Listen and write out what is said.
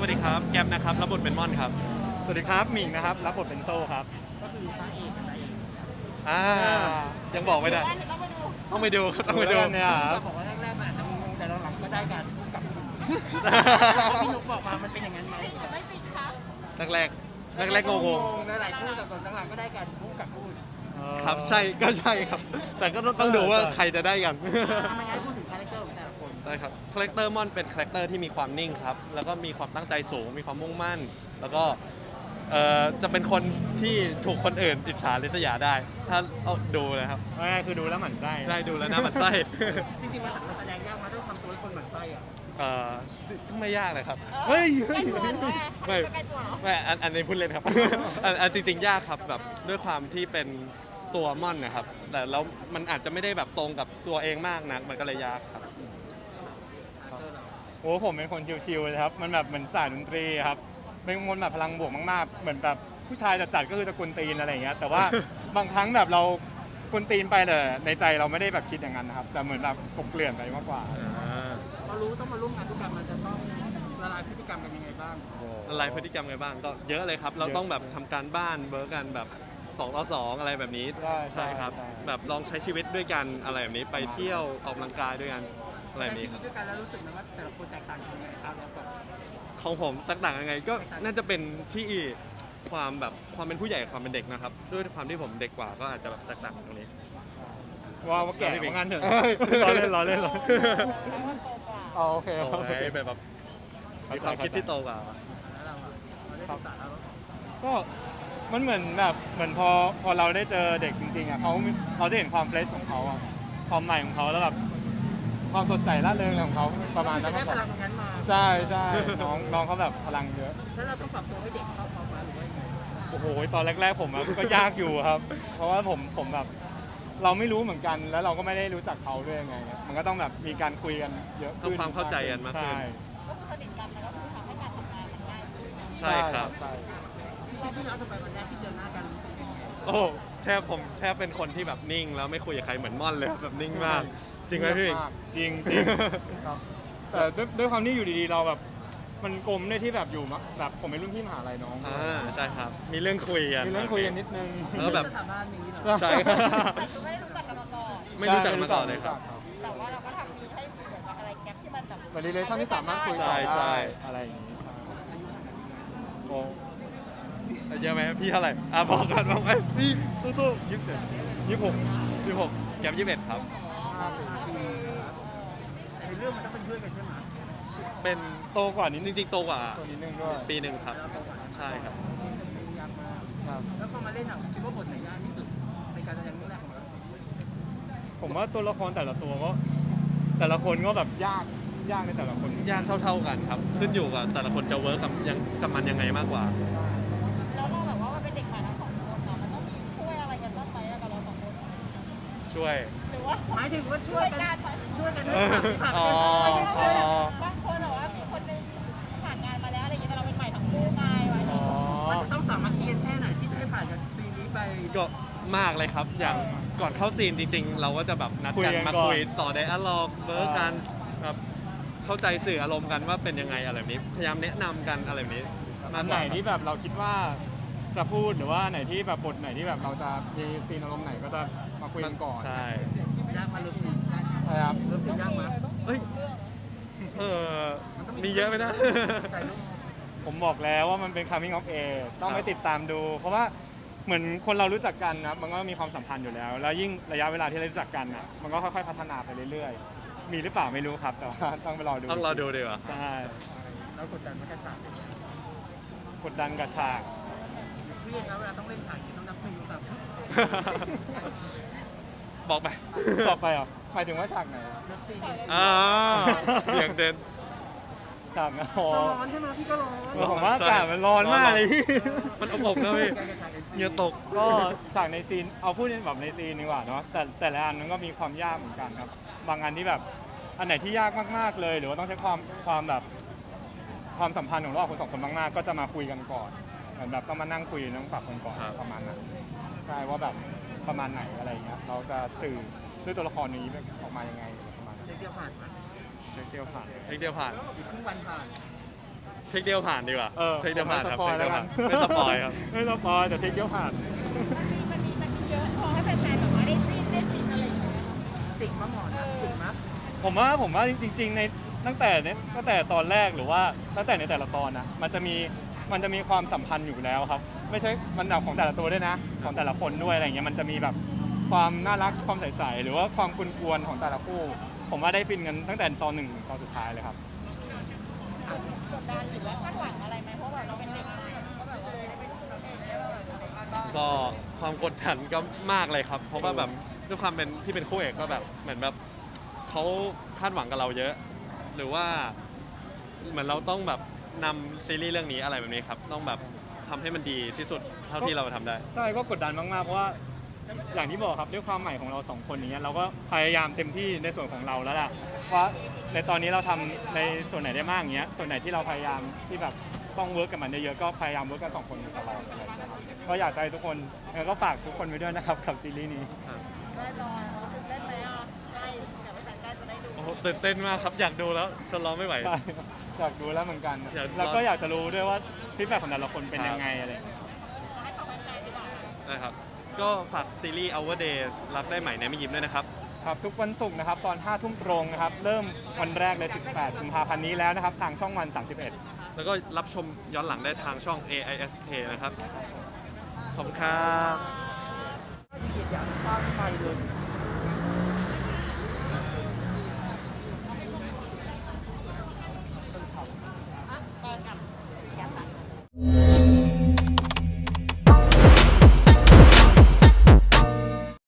วัสดีครับแก๊ปนะครับรับบทเป็นม่อนครับสวัสดีครับหมิงนะครับรับบทเป็นโซ่ครับก็คือพระเอกกับนายเอกอ่ายังบอกไม่ได้ต้องไปดูครับต้องไปดูเนี่ยครัเราบบอกว่าแรกๆมันอาจจะงงแต่หลังๆก็ได้การพูดกับพี่นุ๊กบอกมามันเป็นอย่างนั้นไหมแรกแรกงงหลายๆคู่แต่ส่วนหลังๆก็ได้การพูดกับพูดๆครับใช่ก็ใช่ครับ แต่ก็ต้องดูว่าใครจะได้กันทำไมงั้นพูดถึงคาแรคเตอร์ของแต่ละคนได้ครับคาแรคเตอร์ม่อนเป็นคาแรคเตอร์ที่มีความนิ่งครับแล้วก็มีความตั้งใจสูงมีความมุ่งมั่น แล้วก็จะเป็นคนที่ถูกคนอื่นอิจฉาริษยาได้ ถ้าเอาดูนะครับง่ายๆคือดูแล้วหมั่นไส้ได้ดูแล้วนะมันไส้จริงๆมันแสดงยากมาต้องทำตัวให้คนหมั่นไส้อ่ะก็ไม่ยากเลยครับเฮ้ยไม่ไม่อันนี้พูดเล่นครับ อันจริงๆยากครับแบบด้วยความที่เป็นตัวม่อนนะครับ แต่แล้วมันอาจจะไม่ได้แบบตรงกับตัวเองมากนักมันก็เลยยากครับโอ้ผมเป็นคนชิวๆเลยครับมันแบบเหมือนสายดนตรีครับเป็นคนแบบพลังบวกมากๆเหมือนแบบผู้ชายจัดๆก็คือตะกุนตีนอะไรอย่างเงี้ยแต่ว่า บางครั้งแบบเรากุนตีนไปแต่ในใจเราไม่ได้แบบคิดอย่างนั้นนะครับแต่เหมือนแบบกลบเกลื่อนไปมากกว่าพอรู้ต้องมาร่วมงานทุกกันมันจะต้องละลายพฤติกรรมกันยังไงบ้างละลายพฤติกรรมไงบ้างก็เยอะเลยครับ เราต้องแบบทำการบ้านเบิร์กกันแบบ2 ต่อ 2อะไรแบบนี้ใช่ครับใช่แบบลองใช้ชีวิตด้วยกันอะไรแบบนี้ไปเที่ยวออกกำลังกายด้วยกันอะไรแบบนี้ครับด้วยกันแล้วรู้สึกไหมว่าแต่ละคนแตกต่างกันยังไงครับแล้วก็ของผมต่างๆยังไงก็น่าจะเป็นที่ความแบบความเป็นผู้ใหญ่กับความเป็นเด็กนะครับ ด้วยความที่ผมเด็กกว่าก็อาจจะแบบแตกต่างตรงนี้ว่าแก่ของงานเถอะเอ้ยล้อเล่นอ๋อโอเคโอ้ยแบบมีความคิดที่โตกว่าแล้วเราได้ศึกษาแล้วก็มันเหมือนแบบเหมือนพอเราได้เจอเด็กจริงๆอ่ะเขาได้เห็นความเฟรชของเขาอ่ะความใหม่ของเขาแล้วแบบความสดใสร่าเริงของเขาประมาณนั้นได้มากพกว่าลังตรงนั้นมาใช่ใช่น้องเขาแบบพลังเยอะแล้วเราต้องปรับตัวให้เด็กเข้าพอมาหรือว่ายังไงโอ้โหตอนแรกๆผมอะก็ยากอยู่ครับ เพราะว่าผมแบบเราไม่รู้เหมือนกันแล้วเราก็ไม่ได้รู้จักเขาด้วยไงมันก็ต้องแบบมีการคุยกันเยอะขึ้นทำความเข้าใจกันมากขึ้นใช่ก็คือสนิทกันแล้วก็คือทำให้การทำงานมันง่ายขึ้นใช่ครับใช่พี่น้องทำไมวันแรกที่เจอหน้ากันรู้สึกยังไงโอ้ผมแทบเป็นคนที่แบบนิ่ง แล้วไม่คุยกับใครเหมือนม่อนเลยแบบนิ่งมาก จริงไหมพี่จริงจริงครับแต่ด้วยความที่อยู่ดีๆเราแบบมันกลมด้วยที่แบบอยู่แบบผมเป็นรุ่นพี่มหาลัยน้องใช่ครับ มีเรื่องคุยกันมีเรื่องคุยกันนิดนึงแล้วแบบสถาบันอย่างนี้เหรอใช่ครับแต่คือไม่ได้รู้จักกันมาก่อนไม่รู้จักมาก่อนเลยครับแต่ว่าเราก็ทำมีให้เหมือนกับอะไรแก๊ปที่มันแบบเหมือนรีเลชั่นที่สามารถคุยต่อใช่ใช่ได้อะไรอย่างนี้ครับโอ้เยอะไหมพี่เท่าไหร่บอกกันพี่สู้ๆ26แกม21ครับในเรื่องมันต้องเป็นเพื่อนกันใช่ไหมเป็นโตกว่านิดจนึงริงๆโตกว่าตัวนิดนึงด้วยปีหนึ่งครับ ใช่ครับยากมากครับแล้วพอมาเล่นอ่ะคิดว่าบทไหนยากที่สุดในการแสดงเรื่องแรกของเราผมว่าตัวละครแต่ละตัวก็แต่ละคนก็แบบยากในแต่ละคนยากเท่าๆกันครับ ขึ้นอยู่กับแต่ละคนจะเวิร์กกับมันยังไงมากกว่าแล้วเราแบบว่ามันเป็นเด็กใหม่ทั้งสองคนเนาะมันต้องมีช่วยอะไรกันบ้างไหมกับเราสองคนช่วยหรือว่าหมายถึงว่าช่วยกัน ช่วยกันด้วยผ่านอ๋อบางคนบอกว่ามีคนนึงผ่านงานมาแล้วอะไรอย่างเงี้ยแต่เราเป็นใหม่ทั้งคู่ไงวะอ๋อมันจะต้องสามัคคีกันแค่ไหนที่จะได้ผ่านจากซีนนี้ไปก็มากเลยครับ อย่างก่อนเข้าซีนจริงๆ เราก็จะแบบนัดคุยกันกันมาก่อนคุยต่อไดอะล็อกเวิร์กกันแบบเข้าใจสื่ออารมณ์กันว่าเป็นยังไงอะไรแบบนี้ พยายามแนะนำกันอะไรแบบนี้มากอันกไหนว่าที่แบบเราคิดว่าจะพูดหรือว่าไหนที่แบบบทไหนที่แบบเราจะมีซีนอารมณ์ไหนก็จะมาคุยกันก่อนใช่ยากมาเริ่มซีนใช่ครับเริ่มซีนยากมาเอ้ยมีเยอะไหมนะใจลูกผมบอกแล้วว่ามันเป็น coming of age ต้องไปติดตามดู เพราะว่าเหมือนคนเรารู้จักกันนะมันก็มีความสัมพันธ์อยู่แล้ว แล้วยิ่งระยะเวลาที่เรารู้จักกันนะมันก็ค่อยๆพัฒนาไปเรื่อยๆ มีหรือเปล่าไม่รู้ครับ แต่ว่าต้องไปรอดูต้องรอดูดีกว่าใช่แล้วกดดันมันกระฉากกดดันกับฉากเครียดนะเวลาต้องเล่นฉากต้องนับหนึ่งสามบอกไปต่อไปเหรอ่ะหมายถึงว่าฉากไหนนับซีนอ่าเบี่ยงเดินฉากนะอ๋อร้อนใช่ไหมพี่ก็ร้อนผมว่าอากาศมันร้อนมากเลยพี่มันอบๆนะพี่เหงื่อตกก็จากในซีนเอาพูดแบบในซีนดีกว่าเนาะแต่ละอันมันก็มีความยากเหมือนกันครับ บางอันที่แบบอันไหนที่ยากมากๆเลย หรือว่าต้องใช้ความแบบความสัมพันธ์ของเราคนสองคนมากๆก็จะมาคุยกันก่อนเหมือนแบบต้องมานั่งคุยต้องปรับกันก่อนครับประมาณนั้นใช่ว่าแบบประมาณไหนอะไรอย่างเงี้ยเราจะสื่อด้วยตัวละครนี้ออกมายังไงประมาณนั้นเดียวผ่านมาเที่ยวผ่านเอกเดียวผ่านอีกครึ่งวันผ่านเทคเดียวผ่านดีกว่า เทคเดียวผ่านครับไม่เทคเดียวผ่านไม่สปอยครับไม่สปอยแต่เทคเดียวผ่านมันมีเยอะพอให้แฟนๆแบบว่าได้ซีนอะไรอย่างเงี้ยจริงมั้งหมอนะจริงมั้งผมว่าจริงๆในตั้งแต่ตอนแรกหรือว่าตั้งแต่ในแต่ละตอนนะมันจะมีความสัมพันธ์อยู่แล้วครับ ไม่ใช่มันแบบของแต่ละตัวด้วยนะของแต่ละคนด้วยอะไรเงี้ยมันจะมีแบบความน่ารักความใสๆหรือว่าความกวนๆของแต่ละคู่ ผมว่าได้ฟินกันตั้งแต่ตอนหนึ่งถึงตอนสุดท้ายเลยครับกดดันหรือว่าคาดหวังอะไรไหมเพราะแบบเราเป็นเด็กใหม่ก็แบบว่าได้เป็นตัวเองได้แบบก็ความกดดันก็มากเลยครับ เพราะว่าแบบด้วยความเป็นที่เป็นคู่เอกก็แบบเหมือนแบบเขาคาดหวังกับเราเยอะ หรือว่าเหมือนเราต้องแบบนำซีรีส์เรื่องนี้อะไรแบบนี้ครับ ต้องแบบทำให้มันดีที่สุดเท่าที่เราทำได้ใช่ก็กดดันมากๆเพราะว่าอย่างที่บอกครับด้วยความใหม่ของเราสองคนอย่างเงี้ยเราก็พยายามเต็มที่ในส่วนของเราแล้วล่ะว่าในตอนนี้เราทำในส่วนไหนได้มากอย่างเงี้ยส่วนไหนที่เราพยายามที่แบบต้องเวิร์กกับมันเยอะๆก็พยายามเวิร์กกันสองคนตลอดอะไรอย่างเงี้ยครับก็อยากให้ทุกคนก็ฝากทุกคนไว้ด้วยนะครับกับซีรีส์นี้ได้รอตื่นเต้นไหมอ่ะได้อยากไปแฟนได้จะได้ดูโอ้โหตื่นเต้นมากครับ อยากดูแล้วทนรอไม่ไหวใช่อยากดูแล้วเหมือนกันอยากแล้วก็อยากจะรู้ด้วยว่าฟีดแบ็กของแต่ละคนเป็นยังไงอะไรอย่างเงี้ยให้ของแฟนๆดีกว่านะครับ ก็ฝากซีรีส์ Our Days รักได้ใหม่ในไม่ยิ้มด้วยนะครับครับทุกวันศุกร์นะครับตอน 5 ทุ่มตรงนะครับเริ่มวันแรกเลย 18 กุมภาพันธ์นี้แล้วนะครับทางช่องวัน 31 แล้วก็รับชมย้อนหลังได้ทางช่อง AIS Play นะครับ ขอบคุณครับอยากตั้งไปเลย